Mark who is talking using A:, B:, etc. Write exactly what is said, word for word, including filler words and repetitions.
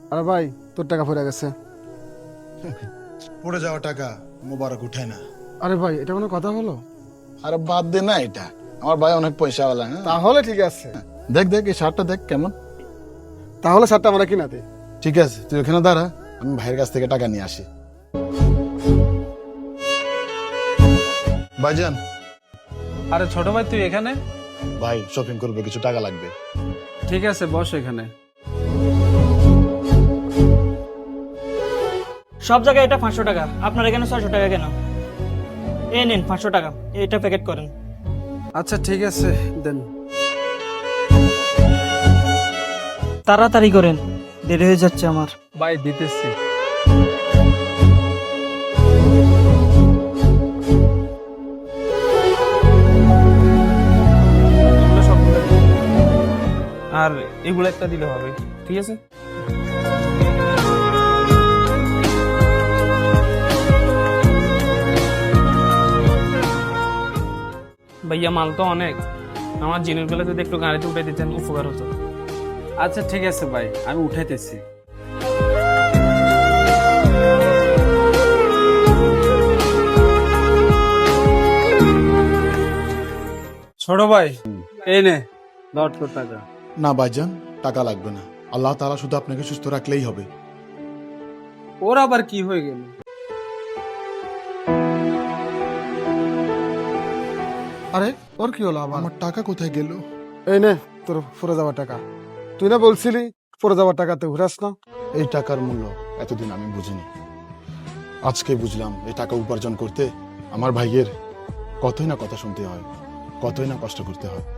A: আরে ভাই তোর টাকা পড়ে গেছে।
B: পড়ে যাওয়া টাকা মোবারক উঠায় না।
A: আরে ভাই এটা কোনো কথা হলো?
B: আরে বাদ দে না, এটা আমার ভাই অনেক পয়সাওয়ালা। হ্যাঁ
A: তাহলে ঠিক আছে,
B: দেখ দেখ এই শার্টটা দেখ কেমন।
A: তাহলে শার্টটা আমরা কিনা দে।
B: ঠিক আছে তুই ওখানে দাঁড়া, আমি ভাইয়ের কাছ থেকে টাকা নিয়ে আসি। ভাইজান।
C: আরে ছোট ভাই তুই এখানে?
B: ভাই শপিং করবে, কিছু টাকা লাগবে।
C: ঠিক আছে বস এখানে।
D: সব জায়গায় এটা পাঁচশো টাকা, আপনার এখানে ছয়শো টাকা কেন? এই নিন পাঁচশো টাকা, এটা প্যাকেট করেন।
C: আচ্ছা ঠিক আছে দেন।
D: তাড়াতাড়ি করেন, দেরি হয়ে যাচ্ছে আমার।
C: ভাই দিতেছি। এগুলো সবগুলো দিন। আর এগুলো একটা দিলে হবে, ঠিক আছে? ভাইয়া মাল তো অনেক, আমার জিনিসগুলো যদি একটু গাড়িতে উঠে দিতেন উপকার হতো। আচ্ছা ঠিক আছে ভাই, আমি উঠাইতেছি। ছোট ভাই এই নে দশ কোটি টাকা।
B: না ভাইজান, টাকা লাগবে না। আল্লাহ তাআলা শুধু আপনাকে সুস্থ রাখলেই হবে।
C: ওর আবার কি হয়ে গেল?
A: আরে ওর কি হলো আবার?
B: আমার টাকা কোথায় গেল?
A: এই নে তোর পড়ে যাওয়ার টাকা। তুই না বলছিলি পড়ে যাওয়ার টাকাতে ঘুরাস না?
B: এই টাকার মূল্য এতদিন আমি বুঝিনি, আজকে বুঝলাম। এই টাকা উপার্জন করতে আমার ভাইয়ের কতই না কথা শুনতে হয়, কতই না কষ্ট করতে হয়।